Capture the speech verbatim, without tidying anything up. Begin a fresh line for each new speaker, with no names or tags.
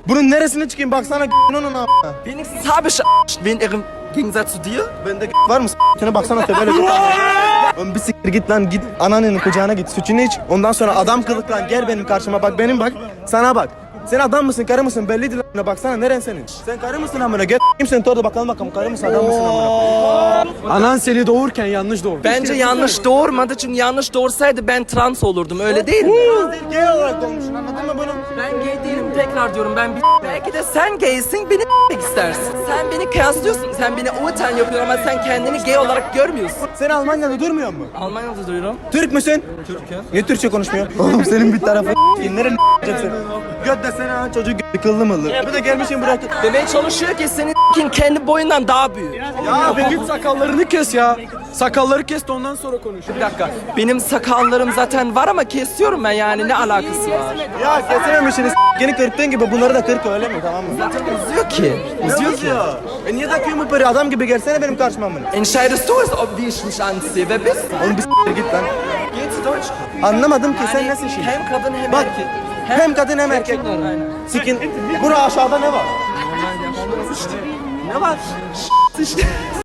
Bunun neresine çıkayım baksana onun a**ına.
Wenigstens habe ich wen im Gegensatz zu dir.
Bende var mı s***ine baksana tebele bir Oğlum bir siktir git lan git ananın kucağına git sütünü iç. Ondan sonra adam kılık lan gel benim karşıma bak benim bak. Sana bak. Sen adam mısın karı mısın belliydi lan baksana neren senin? Sen karı mısın amına gel kimsin orada bakalım bakalım karı mısın adam mısın amına?
Anan seni doğurken yanlış doğurdu.
Bence yanlış doğurmadı çünkü yanlış doğursaydı ben trans olurdum öyle değil mi?
Gay olarak doğmuşsun anladın mı bunu?
Ben gay değilim tekrar diyorum ben bir belki de sen gaysin beni s**mek istersin. Sen beni kıyaslıyorsun sen beni utan yapıyorsun ama sen kendini gay olarak görmüyorsun.
Sen Almanya'da durmuyor mu?
Almanya'da duruyorum.
Türk müsün? Türk'üm. Niye Türkçe konuşmuyor? Oğlum senin bir tarafı nereye s***eceksin? Göt desene ha çocuk kıllı mıllı. Bir de gelmişim buraya.
Demeye çalışıyor ki senin s**kin kendi boyundan daha büyük.
Ya bir git sakallarını kes ya. Sakalları kes de ondan sonra konuş.
Bir dakika benim sakallarım zaten var ama kesiyorum ben yani ne alakası var?
Ya kesememişsiniz s***ni kırktığın gibi bunları da kırk öyle mi tamam mı?
Zaten uzuyor ki. Uzuyor ki.
E niye takıyorsun bu peri adam gibi gelsene benim karşıma bunu.
Entscheidest du es, ob wie ich mich anziehe? Wer bist du?
Oğlum bir s*** git lan.
Geht's Deutsch?
Anlamadım ki sen nesin şimdi?
Hem kadın hem
Bak
erkek.
hem kadın hem erkek.
Aynen.
Sikin. Bura aşağıda ne var?
Ne var?